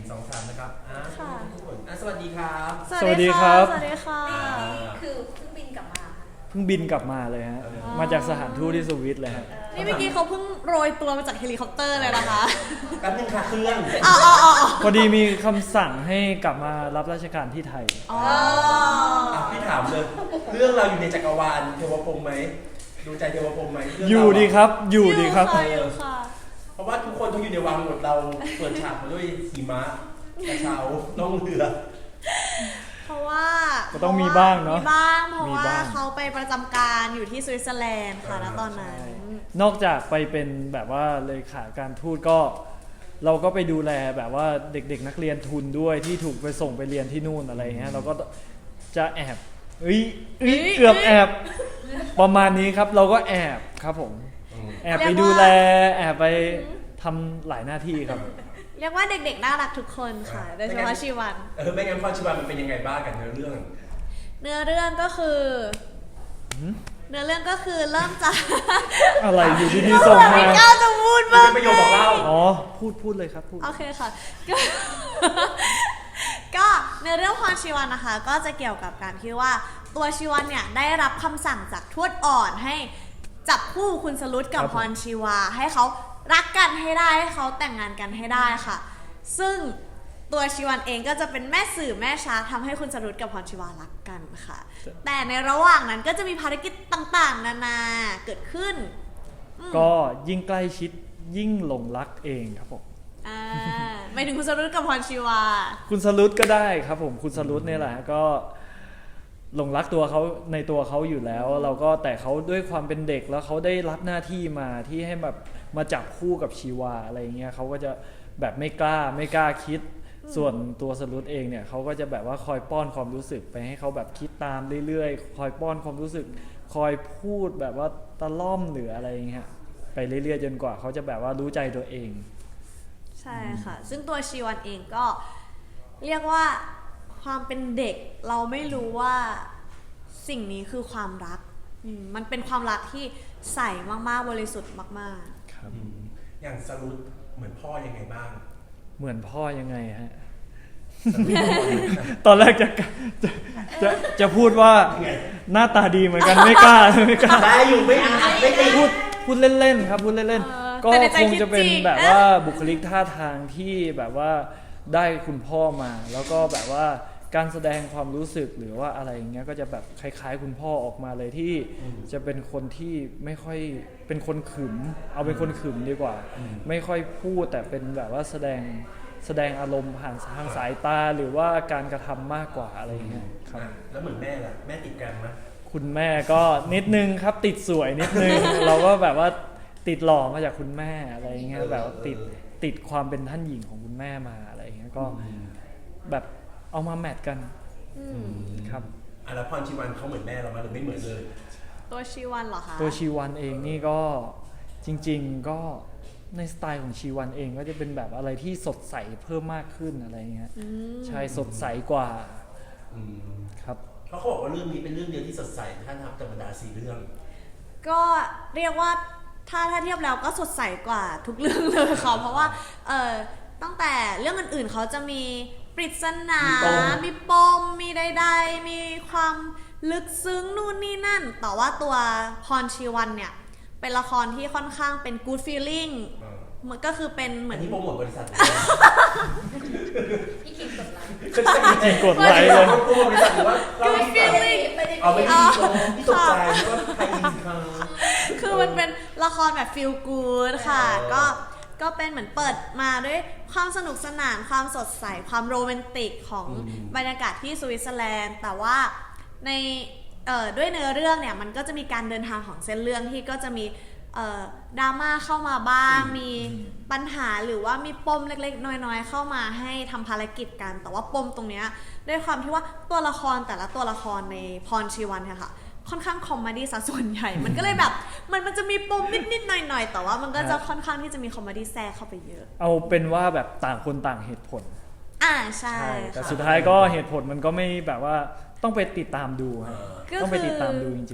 2 3นะครับค่ะทุกคนสวัสดีครับสวัสดีครับสวัสดีค่ะคือเพิ่งบินกลับมาเพิ่งบินกลับมาเลยฮะมาจากสถานทูตที่สวิตเลยฮะนี่เมื่อกี้เขาเพิ่งโรยตัวมาจากเฮลิคอปเตอร์เลยนะคะแป๊บนึงค่ะเครื่องพอดีมีคำสั่งให้กลับมารับราชการที่ไทยพี่ถามเลยเรื่องเราอยู่ในจักรวาลเทวพรหมไหมดูใจเทวพรหมไหมอยู่ดีครับอยู่ดีครับอยู่ค่ะเพราะว่าทุกคนเขาอยู่ในวังหมดเราเปิดฉากมาด้วยหิมะกระเช้าล่องเรือเพราะว่าก็ต้องมีบ้างเนอะมีบ้างเพราะมีว่าบ้างเขาไปประจำการอยู่ที่สวิตเซอร์แลนด์ค่ะณตอนนั้นนอกจากไปเป็นแบบว่าเลขาการทูตก็ เราก็ไปดูแลแบบว่าเด็กๆนักเรียนทุนด้วยที่ถูกไปส่งไปเรียนที่นู่นอะไรเงี้ยเราก็จะแอบเกือบแอบประมาณนี้ครับ เราก็แอบครับผมแอบไปดูแลแอบไปทำหลายหน้าที่ครับเรียกว่าเด็กๆน่ารักทุกคนค่ะโดยเฉพาะชีวันไม่งั้นพรชีวันมันเป็นยังไงบ้างกันเนื้อเรื่องเนื้อเรื่องก็คือเริ่มจากอะไรอยู่ดีๆส่งมาไม่กล้าจะพูดบ้างเป็นประโยคบอกเล่าอ๋อพูดเลยครับพูดโอเคค่ะ ก็ในเรื่องพรชีวันนะคะ ก็จะเกี่ยวกับการที่ว่าตัวชีวันเนี่ยได้รับคำสั่งจากทวดอ่อนให้จับคู่คุณสรุตกับพรชีวาให้เขารักกันให้ได้ให้เขาแต่งงานกันให้ได้ค่ะ ซึ่งตัวชีวันเองก็จะเป็นแม่สื่อแม่ช้างทำให้คุณสรุตกับพรชีวารักกันค่ะ แต่ในระหว่างนั้นก็จะมีภารกิจต่างๆ นานาเกิดขึ้นก็ยิ่งใกล้ชิดยิ่งหลงรักเองครับผมไม่ถึงคุณสรุตกับพรชีวาคุณสรุตก็ได้ครับผมคุณสรุตเนี่ยแหละก็หลงรักตัวเขาในตัวเขาอยู่แล้ว เราก็แต่เขาด้วยความเป็นเด็กแล้วเขาได้รับหน้าที่มาที่ให้แบบมาจับคู่กับชีวาอะไรเงี้ยเขาก็จะแบบไม่กล้าคิด ส่วนตัวสรุตเองเนี่ยเขาก็จะแบบว่าคอยป้อนความรู้สึกไปให้เขาแบบคิดตามเรื่อยๆคอยป้อนความรู้สึกคอยพูดแบบว่าตะล่อมหรืออะไรเงี้ยไปเรื่อยๆจนกว่าเขาจะแบบว่ารู้ใจตัวเองใช่ค่ะ ซึ่งตัวชีวันเองก็เรียกว่าความเป็นเด็กเราไม่รู้ว่าสิ่งนี้คือความรักมันเป็นความรักที่ใสมากๆบริสุทธิ์มากครับอย่างสรุปเหมือนพ่อยังไงบ้างเหมือนพ่อยังไงฮะ ตอนแรกจะพูดว่าหน้าตาดีเหมือนกันไม่กล้าได้อยู่ไม่ตีพูดเล่นๆครับพูดเล่นๆก็คงจะเป็นแบบว่าบุคลิกท่าทางที่แบบว่าได้คุณพ่อมาแล้วก็แบบว่าการแสดงความรู้สึกหรือว่าอะไรอย่างเงี้ยก็จะแบบคล้ายๆคุณพ่อออกมาเลยที่จะเป็นคนที่ไม่ค่อยเป็นคนขึมเอาเป็นคนขึมดีกว่าไม่ค่อยพูดแต่เป็นแบบว่าแสดงอารมณ์ผ่านทางสายตาหรือว่าการกระทำมากกว่าอะไรอย่างเงี้ยครับแล้วเหมือนแม่ล่ะแม่ติดกันมั้ยคุณแม่ก็นิดนึงครับติดสวยนิดนึง เราก็แบบว่าติดหล่อมาจากคุณแม่อะไรอย่างเงี้ยแบบว่าติดความเป็นท่านหญิงของคุณแม่มาอะไรอย่างเงี้ยก็แบบเอามาแมทกันครับแล้วพรชีวันเขาเหมือนแม่เราไหมหรือไม่เหมือนเลยๆ ตัวชีวันเหรอคะตัวชีวันเองนี่ก็จริงๆก็ในสไตล์ของชีวันเองก็จะเป็นแบบอะไรที่สดใสเพิ่มมากขึ้นอะไรเงี้ยใช่สดใสกว่าครับเพราะเขาบอกว่าเรื่องนี้เป็นเรื่องเดียวที่สดใสถ้านับจากบรรดา4 เรื่องก็เรียกว่าถ้าเทียบแล้วก็สดใสกว่าทุกเรื่องเลยค่ะเพราะว่าตั้งแต่เรื่องอื่นๆเขาจะมีปริศนามีปมมีใดๆมีความลึกซึ้งนู่นนี่นั่นแต่ว่าตัวพรชีวันเนี่ยเป็นละครที่ค่อนข้างเป็น good feeling มันก็คือเป็นเหมือนที่โปรโมทบริษัทพี่คิงกดไลค์จริงกดไลค์เลยโปรโมทบริษัทหรือว่าเรา good feeling เอาไม่ดีพี่ตกใจว่าใครอินค่ะคือมันเป็นละครแบบ feel good ค่ะก็เป็นเหมือนเปิดมาด้วยความสนุกสนานความสดใสความโรแมนติกของบรรยากาศที่สวิตเซอร์แลนด์แต่ว่าในด้วยเนื้อเรื่องเนี่ยมันก็จะมีการเดินทางของเส้นเรื่องที่ก็จะมีดราม่าเข้ามาบ้างมีปัญหาหรือว่ามีปมเล็กๆน้อยๆเข้ามาให้ทำภารกิจกันแต่ว่าปมตรงเนี้ยด้วยความที่ว่าตัวละครแต่ละตัวละครในพรชีวันเนี่ยค่ะค่อนข้างคอมเมดี้ซะส่วนใหญ่ มันก็เลยแบบมันจะมีปมนิดๆหน่อยๆแต่ว่ามันก็จะค่อนข้างที่จะมีคอมเมดี้แทรกเข้าไปเยอะเอาเป็นว่าแบบต่างคนต่างเหตุผลใช่แต่สุดท้ายก็เหตุผลมันก็ไม่แบบว่าต้องไปติดตามดูครับต้องไปติดตามดูจริง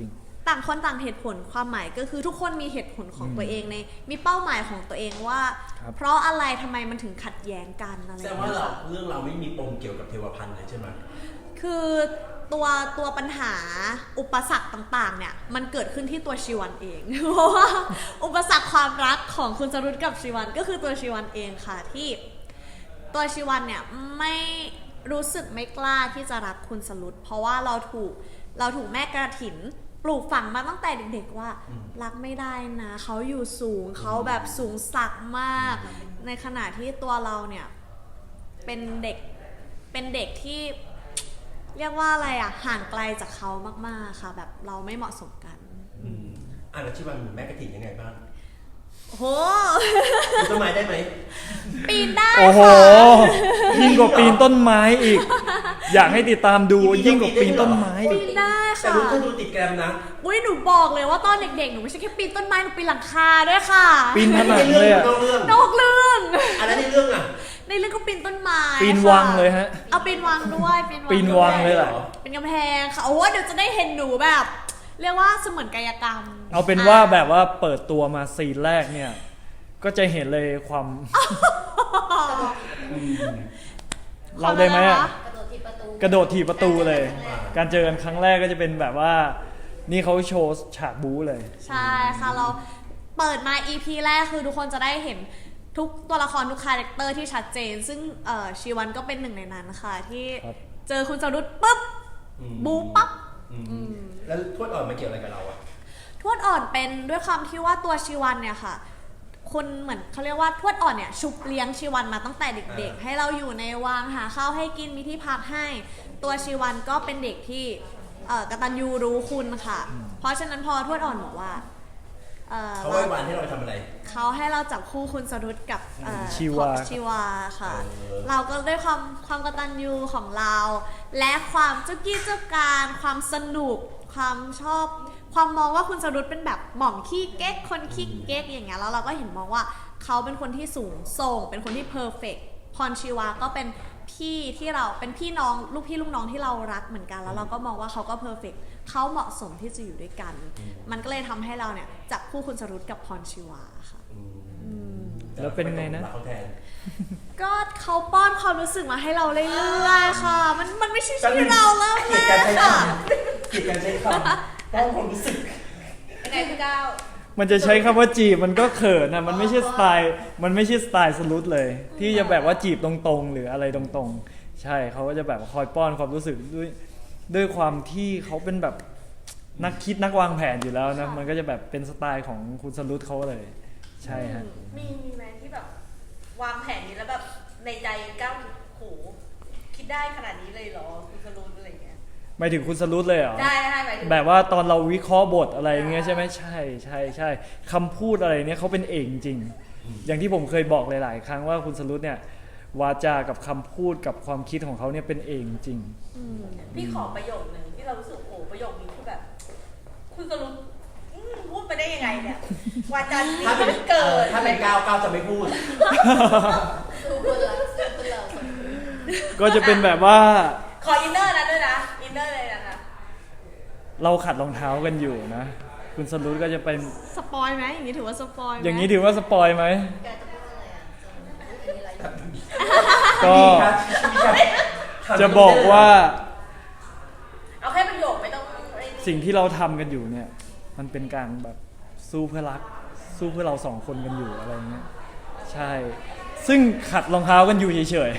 ต่างคนต่างเหตุผลความหมายก็คือทุกคนมีเหตุผลของตัวเองในมีเป้าหมายของตัวเองว่าครับเพราะอะไรทำไมมันถึงขัดแย้งกันอะไรอแสดย่าง งว่าเงี้ยเราค่ะเรื่องเราไม่มีปมเกี่ยวกับเทวพันธ์เลยใช่ไหมคือตัวปัญหาอุปสรรคต่างๆเนี่ยมันเกิดขึ้นที่ตัวชีวันเอง เพราะว่าอุปสรรคความรักของคุณจรุตกับชีวันก็คือตัวชีวันเองค่ะที่ตัวชีวันเนี่ยไม่รู้สึกไม่กล้าที่จะรักคุณสรุตเพราะว่าเราถูกแม่กระถินปลูกฝังมาตั้งแต่เด็กๆว่ารักไม่ได้นะเขาอยู่สูงเขาแบบสูงสักมาก ในขณะที่ตัวเราเนี่ยเป็นเด็กที่เรียกว่าอะไรอ่ะห่างไกลจากเขามากๆค่ะแบบเราไม่เหมาะสมกันแล้วที่มันแม่กระถิ่นยังไงบ้างโอ้โหปีนต้นไม้ได้ไหมปีนได้โอ้โหค่ะยิ่งกว่าปีนต้นไม้อีก อยากให้ติดตามดูยิ่งกว่าปีนต้นไม้ปีอีกนได้แต่ค่ะลูกก็ดูติดแกรมนะอุ้ยหนูบอกเลยว่าตอนเด็กๆหนูไม่ใช่แค่ปีนต้นไม้หนูปีนหลังคาด้วยค่ะปีนผนังเลยอะนอกเรื่องนอกเรื่องอันนั้นในเรื่องอ่ะในเรื่องก็ปีนต้นไม้ปีนค่ะวังเลยฮะเอาปีนวังด้วยปีนวังปีนวังเลยแหละเป็นกำแพงค่ะโอ้เดี๋ยวจะได้เห็นหนูแบบ เรียกว่าเสมือนกายกรรมเอาเป็นว่าแบบว่าเปิดตัวมาซีนแรกเนี่ย ก็จะเห็นเลยความ เราได้ไหมอะกระโดดถีบประตูกระโดดถีบประตูเลย การเจอกันครั้งแรกก็จะเป็นแบบว่า นี่เขาโชว์ฉากบู๊เลยใช่ค่ะเราเปิดมา EP แรกคือทุกคนจะได้เห็นทุกตัวละครทุกคาแรคเตอร์ที่ชัดเจน ซึ่งชีวันก็เป็นหนึ่งในนั้นค่ะที่ครับเจอคุณจรุตปุ๊บบูปั๊บแล้วทวดอ่อนมาเกี่ยวอะไรกับเราอ่ะทวดอ่อนเป็นด้วยความที่ว่าตัวชีวันเนี่ยค่ะคนเหมือนเขาเรียกว่าทวดอ่อนเนี่ยชุบเลี้ยงชีวันมาตั้งแต่เด็กๆ ให้เราอยู่ในวังหาข้าวให้กินมีที่พักให้ ตัวชีวันก็เป็นเด็กที่กตัญญูรู้คุณค่ะ เพราะฉะนั้นพอทวดอ่อนบอกว่าเขาไว้วันให้เราไปทำอะไรเขาให้เราจับคู่คุณสรุตกับชีวาชีวาค่ะเออเราก็ด้วยความกตัญญูของเรา และความเจ้ากี้เจ้าการความสนุกความชอบ ความมองว่าคุณสรุตเป็นแบบหม่อมขี้เก๊กคนขี้เก๊กอย่างเงี้ยแล้วเราก็เห็นมองว่าเขาเป็นคนที่สูงส่งเป็นคนที่เพอร์เฟกต์พรชีวาก็เป็นพี่ที่เราเป็นพี่น้องลูกพี่ลูกน้องที่เรารักเหมือนกันแล้วเราก็มองว่าเขาก็เพอร์เฟกต์เขาเหมาะสมที่จะอยู่ด้วยกัน มันก็เลยทำให้เราเนี่ยจับคู่คุณสรุตกับพรชีวาค่ะแล้วเป็นไงนะเขาแทนก็เขาป้อนความรู้สึกมาให้เราเรื่อยๆค่ะ มันไม่ใช่ที่เราเริ่มเกลีแรยดการกใช้คค่ะำเกลียดการใช้คำต้องความรู้สึกยังไงพี่ก้าวมันจะใช้คำว่าจีบมันก็เขินนะมันไม่ใช่สไตล์สรุตเลย ที่จะแบบว่าจีบตรงๆ หรืออะไรตรงๆ ใช่เขาก็จะแบบคอยป้อนความรู้สึกด้วยความที่เขาเป็นแบบนักคิดนักวางแผนอยู่แล้วนะมันก็จะแบบเป็นสไตล์ของคุณสรุตเขาเลย ใช่ฮะมีไหมที่แบบวางแผนนี้แล้วแบบในใจก้าวโหคิดได้ขนาดนี้เลยเหรอคุณสรุปอะไรเงี้ยหมายถึงคุณสรุตเลยเหรอได้หมายถึงแบบว่าตอนเราวิเคราะห์บทอะไรเงี้ยใช่ไหมใช่คำพูดอะไรเนี่ยเขาเป็นเอกจริง อย่างที่ผมเคยบอกหลายๆครั้งว่าคุณสรุตเนี่ยวาจากับคำพูดกับความคิดของเขาเนี่ยเป็นเอกจริงพี่ขอประโยคนึงที่เรารู้สึกโอ้ประโยคนี้คือแบบ คุณสรุปพูดไปได้ยังไงเนี่ยวาจาที่ถ้าเป็นเกิดถ้าเป็นก้าวจะไม่พูดสู้เพื่อนเราก็จะเป็นแบบว่าขออินเนอร์นะด้วยนะอินเนอร์เลยนะคะเราขัดรองเท้ากันอยู่นะ คุณสรุตก็จะเป็นสปอยไหมอย่างนี้ถือว่าสปอยไหมอย่างนี้ถือว่าสปอยไหมแกจะพูดอะไรอ่ะจะมีอะไรอยู่ก็ จะบอกว่าเอาแค่ประโยคไม่ต้องไอ้สิ่งที่เราทำกันอยู่เนี่ย มันเป็นการแบบสู้เพื่อรัก สู้เพื่อเราสองคนกันอยู่อะไรเงี้ยใช่ ซึ่งขัดรองเท้ากันอยู่เฉย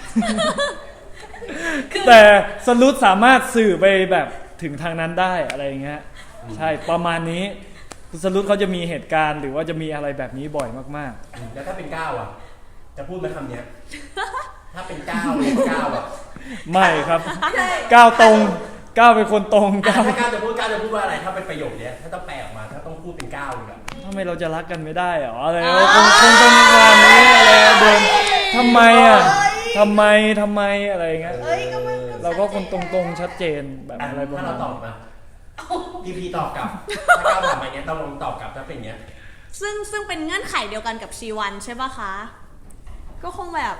ๆแต่สรุตสามารถสื่อไปแบบถึงทางนั้นได้อะไรเงี้ยใช่ประมาณนี้คุณสรุตเขาจะมีเหตุการณ์หรือว่าจะมีอะไรแบบนี้บ่อยมากแล้วถ้าเป็นก้าวอ่ะ จะพูดไหมคำเนี้ย ถ้าเป็นก้าวเป็นก้าวอ่ะๆ ไม่ครับไม่ใช่ก้าวตรงก้าวเป็นคนตรงถ้าก้าวก้าวจะพูดว่าอะไร ถ้าเป็นประโยคเนี้ย ถ้าต้องแปลออกมา ถ้าต้องพูดเป็นก้าวอีกอะทำไมเราจะรักกันไม่ได้เหรออะไรคงเป็นประมาณนี้อะไรเดินทำไมอ่ะทำไมอะไรเงี้ยเอ้ยก็มันเราก็คนตรงๆชัดเจนแบบอะไรประถ้ามาเราณตอบนี้มาพีพีตอบกลับ ถ้าก้าวถามมาเงี้ยต้องลองตอบกลับถ้าเป็นเงี้ยซึ่งเป็นเงื่อนไขเดียวกันกับชีวันใช่ปะคะ ก็คงแบบ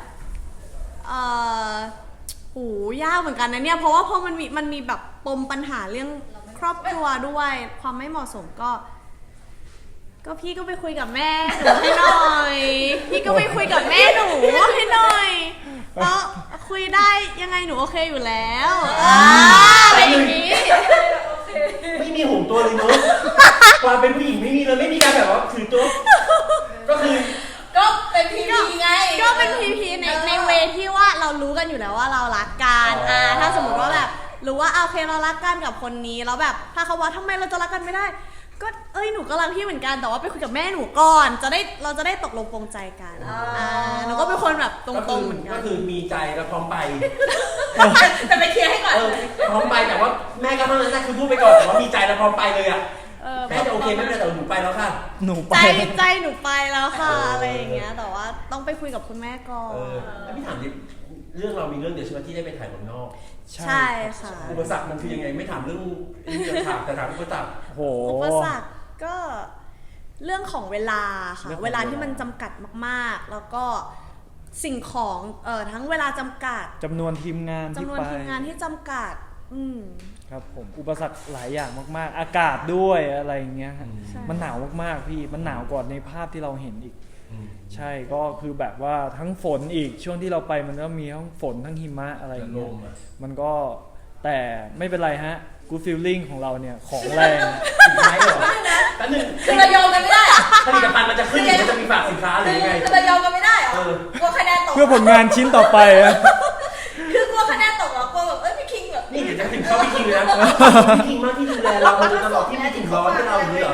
หูยากเหมือนกันนะเนี่ย เพราะว่าพอมันมีแบบปมปัญหาเรื่องครอบครัวด้วย ความไม่เหมาะสมก็พี่ก็ไปคุยกับแม่หนูให้หน่อย พี่ก็ไปคุยกับแม่หนูให้หน่อยแล้วคุยได้ยังไงหนูโอเคอยู่แล้วอะไรอย่างนี้ไม่มีห่วงตัวเลยเนอะความเป็นผู้หญิงไม่มีเลยไม่มีการแบบว่าถือตัวก็คือก็เป็นพีพีไงก็เป็นพีในเวที่ว่าเรารู้กันอยู่แล้วว่าเรารักกันถ้าสมมติว่าแบบรู้ว่าโอเคเรารักกันกับคนนี้แล้วแบบถ้าเขาว่าทำไมเราจะรักกันไม่ได้ ก็หนูก็รักพี่เหมือนกันแต่ว่าไปคุยกับแม่หนูก่อนเราจะได้ตกลงปรงใจกันหนูก็เป็นคนแบบตรงๆเหมือนกันก็คือมีใจแล้วพร้อมไปแต่ไปเคลียร์ให้ก่อนพร้อมไปแต่ว่าแม่ก็เท่านั้นนะคือพูดไปก่อนแต่ว่ามีใจแล้วพร้อมไปเลยอ่ะแม่จะโอเคไม่เป็นไรแต่หนูไปแล้วค่ะหนูไปใจหนูไปแล้วค่ะอะไรอย่างเงี้ยแต่ว่าต้องไปคุยกับคุณแม่ก่อนแล้วพี่ถามดิเรื่องเรามีเรื่องเดียวใช่ไหมที่ได้ไปถ่ายเมืองนอกใช่ค่ะอุปสรรคมันคือยังไงไม่ถามเรื่องจะถามแต่ถามอุปสรรคโหอุปสรรคก็เรื่องของเวลาค่ะเรื่องของเวลาที่มันจำกัดมากๆ แล้วก็สิ่งของทั้งเวลาจำกัดจำนวนทีมงานที่จำนวนไปทีมงานที่จำกัดครับผมอุปสรรคหลายอย่างมากๆ อากาศด้วยอะไรอย่างเงี้ยฮะใช่มันหนาวมากๆพี่มันหนาวกว่าในภาพที่เราเห็นอีก ใช่ก็คือแบบว่าทั้งฝนอีกช่วงที่เราไปมันก็มีทั้งฝนทั้งหิมะอะไรอย่างเงี้ยมันก็แต่ไม่เป็นไรฮะ good feeling ของเราเนี่ยของแรงสุดท้ายเหรอแป๊บนึงคือเรายอมกันไม่ได้เหรอผลิตภัณฑ์มันจะขึ้นหรือมันจะมีฝากสินค้าหรือยังไงคือเรายอมกันไม่ได้เหรอ กลัวคะแนนตกเพื่อผลงานชิ้นต่อไปอะคือกลัวคะแนนตกเหรอกลัวแบบพี่คิงแบบนี่เดี๋ยวจะถึงเข้าพี่คิงเลยนะพี่คิงมากที่ดูแลเรามาโดยตลอดที่ไม่ถึงร้อนให้เราอย่างนี้เหรอ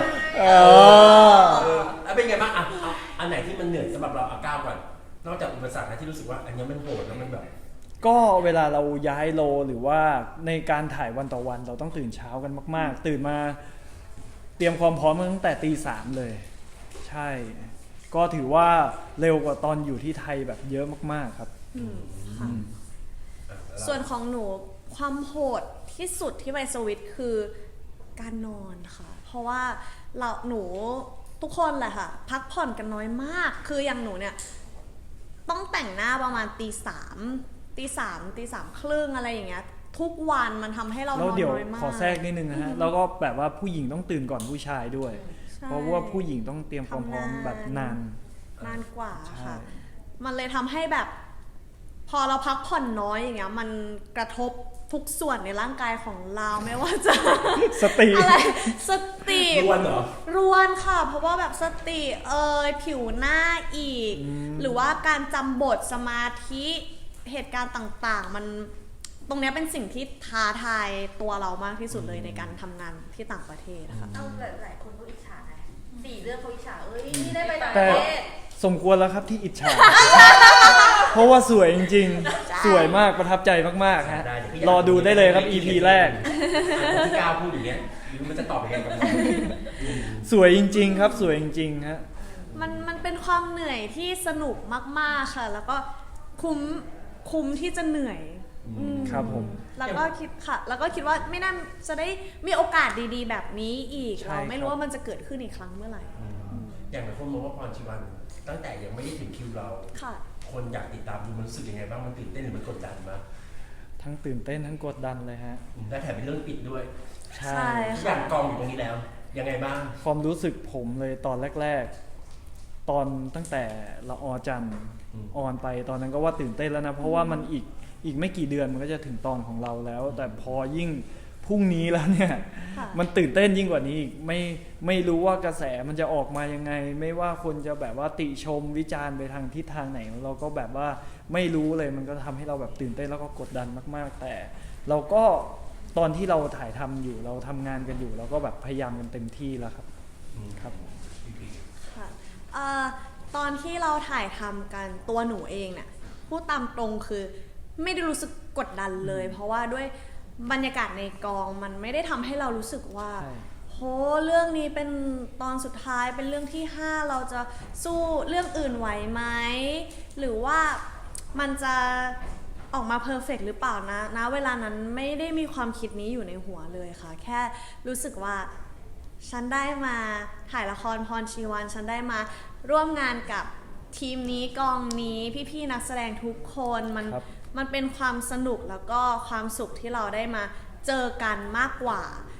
แล้วเป็นไงบ้างอันไหนที่มันเหนื่อยสำหรับเราก้าวก่อนนอกจากอุปสรรคนะที่รู้สึกว่าอันนี้มันโหดแล้วมันแบบก็เวลาเราย้ายโลหรือว่าในการถ่ายวันต่อวันเราต้องตื่นเช้ากันมากๆ ตื่นมาเตรียมความพร้อมตั้งแต่ตี 3เลย ใช่ ก็ถือว่าเร็วกว่าตอนอยู่ที่ไทยแบบเยอะมากๆครับค่ะส่วนของหนูความโหดที่สุดที่ไปสวิตคือการนอนค่ะ เพราะว่าหนูทุกคนแหละค่ะ พักผ่อนกันน้อยมาก คืออย่างหนูเนี่ยต้องแต่งหน้าประมาณตีสามครึ่งอะไรอย่างเงี้ยทุกวันมันทำให้เรานแล้วอนเดี๋ยวน้อยมากขอแทรกนิดนึงนะฮะแล้วก็แบบว่าผู้หญิงต้องตื่นก่อนผู้ชายด้วยใช่เพราะว่าผู้หญิงต้องเตรียมความพร้อมแบบนานนานกว่าใช่ค่ะ มันเลยทำให้แบบ พอเราพักผ่อนน้อยอย่างเงี้ยมันกระทบทุกส่วนในร่างกายของเราไม่ว่าจะสติอะไรสติรวนเหรอรวนค่ะ เพราะว่าแบบสติผิวหน้าอีก หรือว่าการจำบทสมาธิเหตุการณ์ต่างๆ มันตรงเนี้ยเป็นสิ่งที่ท้าทายตัวเรามากที่สุดเลยในการทำงานที่ต่างประเทศค่ะเอาหลายคนก็อิจฉาไง4 เรื่องเขาอิจฉานี่ได้ไปต่างปแต่ระเทศสมควรแล้วครับที่อิจฉา เพราะว่าสวยจริงๆ สวยมากประทับใจมากๆฮะได้เดี๋ยวพี่อยากรอดูได้เลยครับ EP แรกพี่ก้าวพูดอย่างเงี้ยหรือมันจะตอบยังไงกับเราสวยจริงๆครับ สวยจริงๆฮะมันเป็นความเหนื่อยที่สนุกมากๆค่ะ แล้วก็คุ้มที่จะเหนื่อยครับผมแล้วก็คิดว่าไม่น่าจะได้มีโอกาสดีๆ แบบนี้อีกใช่เราไม่ครัรู้บว่ามันจะเกิดขึ้นอีกครั้งเมื่อไหร่อย่างหลายคนมองว่าพรชีวันตั้งแต่ยังไม่ได้ถึงคิวเราค่ะคนอยากติดตามดูมันรู้สึกยังไงบ้างมันตื่นเต้นหรือมันกดดันมั้ยทั้งตื่นเต้นทั้งกดดันเลยฮะและแถมเป็นเรื่องปิดด้วยใช่ใช่ทุกอย่างกองอยู่ตรงนี้แล้ว ยังไงบ้างความรู้สึกผมเลยตอนแรกๆ ตอนตั้งแต่ละออจันทร์ออนไปตอนนั้นก็ว่าตื่นเต้นแล้วนะ เพราะว่ามันอีกไม่กี่เดือนมันก็จะถึงตอนของเราแล้ว แต่พอยิ่งพรุ่งนี้แล้วเนี่ยค่ะมันตื่นเต้นยิ่งกว่านี้อีกไม่รู้ว่ากระแสมันจะออกมายังไง ไม่ว่าคนจะแบบว่าติชมวิจารณ์ไปทางทิศทางไหน เราก็แบบว่าไม่รู้เลยมันก็ทำให้เราแบบตื่นเต้นแล้วก็กดดันมากๆ แต่เราก็ตอนที่เราถ่ายทำอยู่เราทำงานกันอยู่เราก็แบบพยายามกันเต็มที่แล้วครับครับค่ะตอนที่เราถ่ายทำกันตัวหนูเองเนี่ยพูดตามตรงคือไม่ได้รู้สึกกดดันเลย เพราะว่าด้วยบรรยากาศในกองมันไม่ได้ทำให้เรารู้สึกว่าใช่โหเรื่องนี้เป็นตอนสุดท้ายเป็นเรื่องที่ 5 เราจะสู้เรื่องอื่นไหวไหมหรือว่ามันจะออกมาเพอร์เฟกต์หรือเปล่านะเวลานั้นไม่ได้มีความคิดนี้อยู่ในหัวเลยค่ะ แค่รู้สึกว่าฉันได้มาถ่ายละครพรชีวันฉันได้มาร่วมงานกับทีมนี้กองนี้พี่ๆนักแสดงทุกคนมันเป็นความสนุกแล้วก็ความสุขที่เราได้มาเจอกันมากกว่า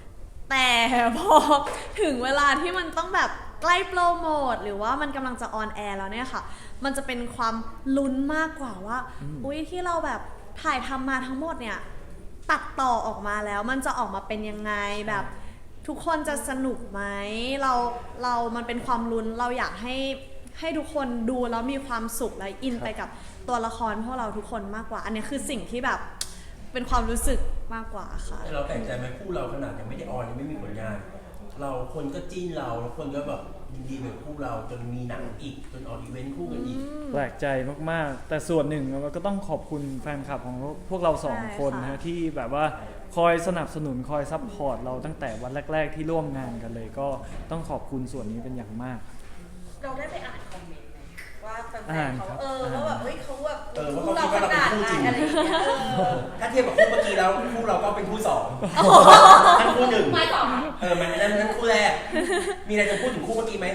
แต่พอถึงเวลาที่มันต้องแบบใกล้โปรโมทหรือว่ามันกำลังจะออนแอร์แล้วเนี่ยค่ะมันจะเป็นความลุ้นมากกว่าว่าอุ๊ยที่เราแบบถ่ายทำมาทั้งหมดเนี่ยตัดต่อออกมาแล้วมันจะออกมาเป็นยังไงแบบทุกคนจะสนุกไหมเรามันเป็นความลุ้นเราอยากให้ทุกคนดูแล้วมีความสุขและอินไปกับตัวละครพวกเราทุกคนมากกว่าอันนี้คือสิ่งที่แบบเป็นความรู้สึกมากกว่าค่ะเราแปลกใจไหมคู่เราขนาดยังไม่ได้ออนยังไม่มีผลงานเราคนก็จิ้นเราแล้วคนก็แบบยินดีกับคู่เราจนมีหนังอีกจนออกอีเวนต์คู่กันอีกแปลกใจมากๆแต่ส่วนหนึ่งเราก็ต้องขอบคุณแฟนคลับของพวกเราสองคนนะที่แบบว่าคอยสนับสนุนคอยซัพพอร์ตเราตั้งแต่วันแรกๆที่ร่วมงานกันเลยก็ต้องขอบคุณส่วนนี้เป็นอย่างมากเราได้ไปอ่านคอมเมนต์ไหมว่าแฟนๆเขาว่าแบบเฮ้ยเขาแบบว่าคู่เราขนาดไหนอะไรอย่างเงี้ยถ้าเทียบกับคู่เมื่อกี้แล้วคู่เราก็เป็นคู่สองทั้งคู่หนึ่งไม่สองมันนั้นคู่แรกมีอะไรจะพูดถึงคู่เมื่อกี้ไหม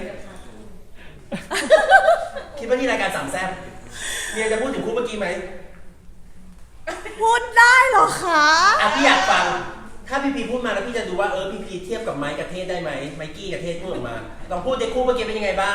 คิดว่านี่รายการสามแซ่บมีอะไรจะพูดถึงคู่เมื่อกี้ไหมพูดได้เหรอคะพี่อยากฟังถ้าพี่พูดมาแล้วพี่จะดูว่าพี่เทียบกับไมค์กับเทศได้ไหมไมกี้กับเทศพูดออกมาลองพูดในคู่เมื่อกี้เป็นยังไงบ้าง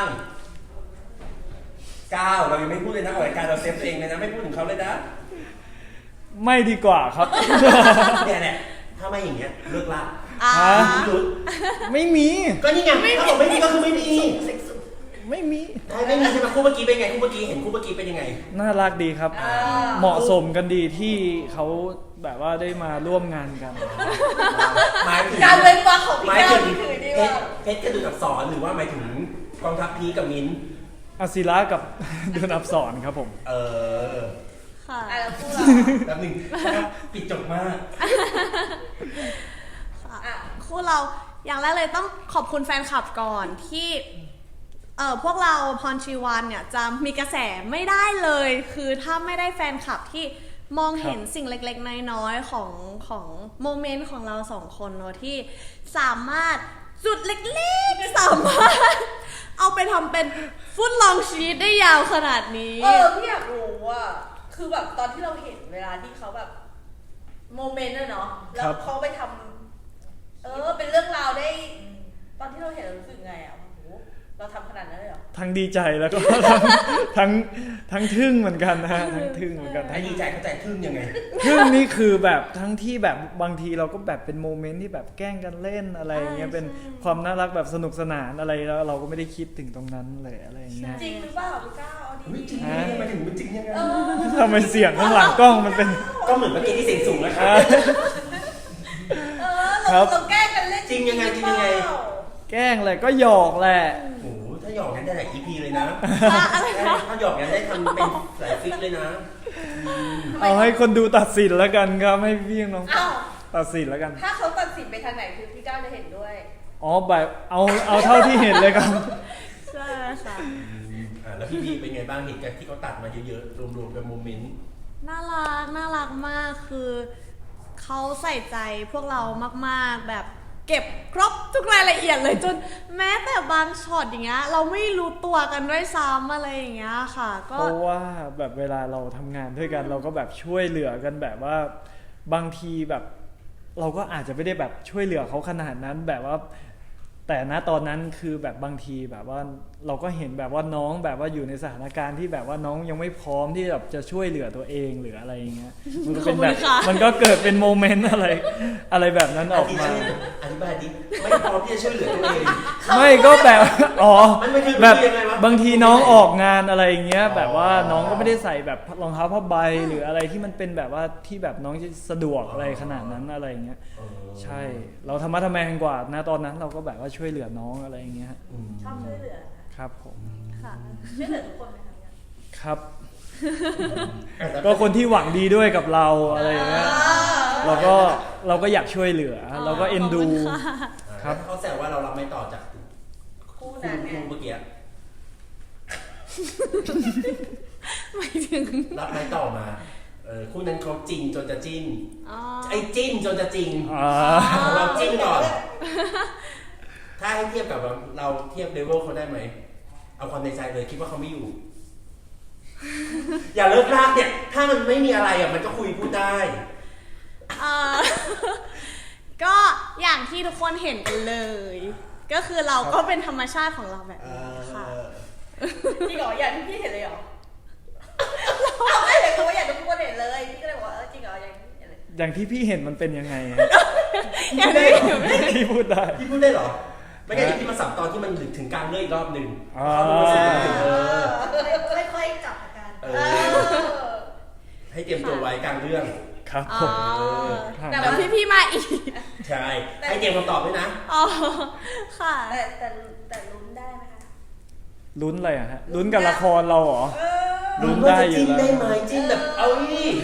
ก้าวเรายังไม่พูดเลยนะรายการเราเซฟตัวเองเลยนะไม่พูดถึงเขาเลยนะไม่ดีกว่าครับเนี่ยถ้าไม่อย่างเงี้ยเลิกละไม่มีก็นี่ไงถ้าบอกไม่มีก็คือไม่มีไม่มีไม่มีใช่ไหมคู่เมื่อกี้เป็นไงคู่เมื่อกี้เห็นคู่เมื่อกี้เป็นยังไงน่ารักดีครับเหมาะสมกันดีที่เขาแบบว่าได้มาร่วมงานกันหมายถึงการเว้นวรรคของพี่แก้วนี่คือดีว่าเพชรกับดูอักษรหรือว่าหมายถึงกองทัพพีกับมิ้นอาศิระกับดูอักษรครับผมค่ะแล้วคู่เราแบบหนึ่งปิดจบมากคู่เราอย่างแรกเลยต้องขอบคุณแฟนคลับก่อนที่พวกเราพรชีวันเนี่ยจะมีกระแสไม่ได้เลยคือถ้าไม่ได้แฟนคลับที่มองเห็นสิ่งเล็กๆน้อยๆของโมเมนต์ของเราสองคนเนาะที่สามารถจุดเล็กๆสามารถเอาไปทำเป็นฟุตลองชีสได้ยาวขนาดนี้พี่อยากรู้ว่าคือแบบตอนที่เราเห็นเวลาที่เขาแบบโมเมนต์เนาะแล้วเขาไปทำเป็นเรื่องราวได้ตอนที่เราเห็นเรารู้สึกไงอ่ะเราทำขนาดนั้นเลยเหรอทั้งดีใจแล้วก็ทั้งทึ่งเหมือนกันนะฮะทั้งทึ่งเหมือนกันทั้งดีใจเข้าใจทึ่งยังไงทึ่งนี่คือแบบทั้งที่แบบบางทีเราก็แบบเป็นโมเมนต์ที่แบบแกล้งกันเล่นอะไรอย่างเงี้ยเป็นความน่ารักแบบสนุกสนานอะไรแล้วเราก็ไม่ได้คิดถึงตรงนั้นเลยอะไรอย่างเงี้ยจริงหรือเปล่าพี่ก้าวดีจริงไม่ถึงมันจริงยังไงทำไมเสียงข้างหลังกล้องมันเป็นก็เหมือนเมื่อกี้ที่เสียงสูงนะครับเราแกล้งกันเล่นจริงยังไงแกล้งแหละก็หยอกแหละถ้าหยอกงั้นได้หลาย EP เลยนะถ้าหยอกงั้นได้ทำเป็นหลายฟิกเลยนะเอาให้คนดูตัดสินแล้วกันครับให้พี่น้องตัดสินแล้วกันถ้าเขาตัดสินไปทางไหนคือพี่ก้าวจะเห็นด้วยแบบเอาเท่าที่เห็นเลยครับใช่ค่ะแล้วพี่บีเป็นไงบ้างเห็นกันที่เขาตัดมาเยอะๆรวมๆกันโมเมนต์น่ารักมากคือเขาใส่ใจพวกเรามากๆแบบเก็บครบทุกรายละเอียดเลยจนแม้แต่บางช็อตอย่างเงี้ยเราไม่รู้ตัวกันด้วยซ้ำอะไรอย่างเงี้ยค่ะก็เพราะว่าแบบเวลาเราทำงานด้วยกันเราก็แบบช่วยเหลือกันแบบว่าบางทีแบบเราก็อาจจะไม่ได้แบบช่วยเหลือเขาขนาดนั้นแบบว่าแต่ณตอนนั้นคือแบบบางทีแบบว่าเราก็เห็นแบบว่าน้องแบบว่าอยู่ในสถานการณ์ที่แบบว่าน้องยังไม่พร้อมที่แบบจะช่วยเหลือตัวเองหรืออะไรอย่างเงี้ยมันก็เป็นแบบมันก็เกิดเป็นโมเมนต์อะไรแบบนั้นออกมาอธิบายดิไม่พร้อมที่จะช่วยเหลือตัวเองไม่ก็แบบแบบบางทีน้องออกงานอะไรอย่างเงี้ยแบบว่าน้องก็ไม่ได้ใส่แบบรองเท้าผ้าใบหรืออะไรที่มันเป็นแบบว่าที่แบบน้องจะสะดวกอะไรขนาดนั้นอะไรอย่างเงี้ยใช่เราธรรมะทแมงกว่านะตอนนั้นเราก็แบบว่าช่วยเหลือน้องอะไรอย่างเงี้ยชอบช่วยเหลือครับผมค่ะช่วยเหลือทุกคนไหมครับก็คนที่หวังดีด้วยกับเราอะไรอย่างเงี้ยเราก็อยากช่วยเหลือเราก็เอ็นดูครับเขาแซวว่าเรารับไม่ต่อจากคู่นั้นคู่เมื่อกี้ไม่ถึงรับไม่ต่อมาคู่นั้นเขาจริงจนจะจิ้นไอ้จิ้นจนจะจริงเราจิ้นก่อนถ้าให้เทียบกับเราเทียบเลเวลเขาได้ไหมเอาความในใจเลยคิดว่าเขาไม่อยู่อย่าเลิกลากเนี่ยถ้ามันไม่มีอะไรมันก็คุยพูดได้ก็อย่างที่ทุกคนเห็นกันเลย ก็คือเราก็เป็นธรรมชาติของเราแบบนี้ค่ะจริงเหรออย่างที่พี่เห็นเลยเหรอเราไม่เห็นเขาว่าอย่างที่ทุกคนเห็นเลยพี่ก็เลยบอกว่าจริงเหรออย่างที่เห็นเลยอย่างที่พี่เห็นมันเป็นยังไงฮะอย่างนี้พี่พูดได้พี่พูดได้เหรอไม่งั้นเดี๋ยวพี่มาสับตอนที่มันถึงกลางเรื่องอีกรอบหนึ่งอ่าเขารู้สึกมันถึงค่อยๆจับอาการให้เตรียมตัวไว้กลางเรื่องครับอ๋ผอมแต่ว่าพี่ๆมาอีกใช่ ให้เตรียมคำตอบด้วยนะอ๋อค่ะแต่ลุ้นได้ไหมคะลุ้นอะไรอะฮะลุ้นกับละครเราเหรอลุ้นได้อยู่จิ้นแล้วได้ไหมจิ้นแบบเอาอี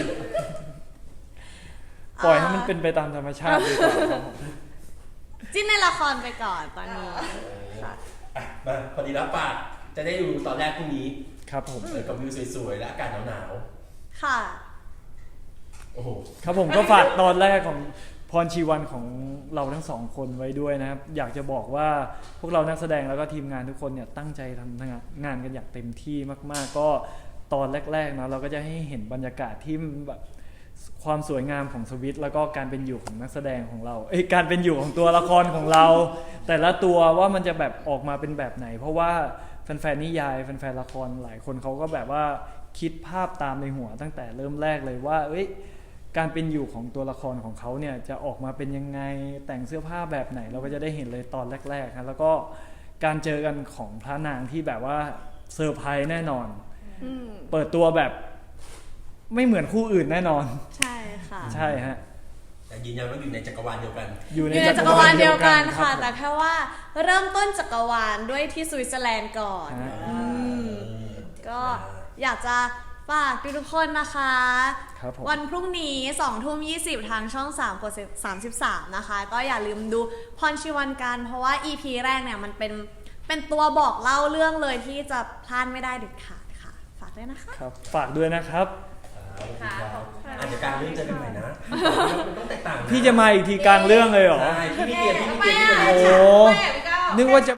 ปล่อยให้มันเป็นไปตามธรรมชาติดีกว่าครับผมจิ้นในละครไปก่อนตอนนี้ค่ะอ่ะมาพอดีแล้วปากจะได้ดูตอนแรกพรุ่งนี้ครับผมกับวิวสวยๆและอากาศหนาวค่ะๆโอ้โหครับผมก็ฝากตอนแรกของพรชีวันของเราทั้งสองคนไว้ด้วยนะครับอยากจะบอกว่าพวกเรานักแสดงแล้วก็ทีมงานทุกคนเนี่ยตั้งใจทำงานกันอย่างเต็มที่มากๆก็ตอนแรกๆนะเราก็จะให้เห็นบรรยากาศที่แบบความสวยงามของสวิตแล้วก็การเป็นอยู่ของนักแสดงของเราการเป็นอยู่ของตัวละครของเรา แต่ละตัวว่ามันจะแบบออกมาเป็นแบบไหน เพราะว่าแฟนๆนิยายแฟนๆละครหลายคนเขาก็แบบว่าคิดภาพตามในหัวตั้งแต่เริ่มแรกเลยว่าการเป็นอยู่ของตัวละครของเขาเนี่ยจะออกมาเป็นยังไงแต่งเสื้อผ้าแบบไหนเราก็จะได้เห็นเลยตอนแรกๆนะแล้วก็การเจอกันของพระนางที่แบบว่าเซอร์ไพรส์แน่นอนเปิดตัวแบบไม่เหมือนคู่อื่นแน่นอนใช่ค่ะใช่ฮะแต่ยืนยันว่าอยู่ในจักรวาลเดียวกันอยู่ในอยู่ในจักรวาลเดียวกันค่ะรับแต่แค่ว่าเริ่มต้นจักรวาลด้วยที่สวิตเซอร์แลนด์ก่อนฮะก็อยากจะฝากทุกๆคนนะคะครับผมวันพรุ่งนี้20:20ทางช่อง3กด33นะคะก็อย่าลืมดูพรชีวันกันเพราะว่า EP แรกเนี่ยมันเป็นตัวบอกเล่าเรื่องเลยที่จะพลาดไม่ได้เด็ดขาดค่ะ ฝากด้วยนะคะครับฝากด้วยนะครับอาจจะกลางเรื่องเจอกันใหม่นะมันต้องแตกต่างนพี่จะมาอีกทีกลางเรื่องเลยเหรอใช่พี่ไม่เตรียมพี่ไม่เตรียมพี่เลยโอ้นึกว่าจะ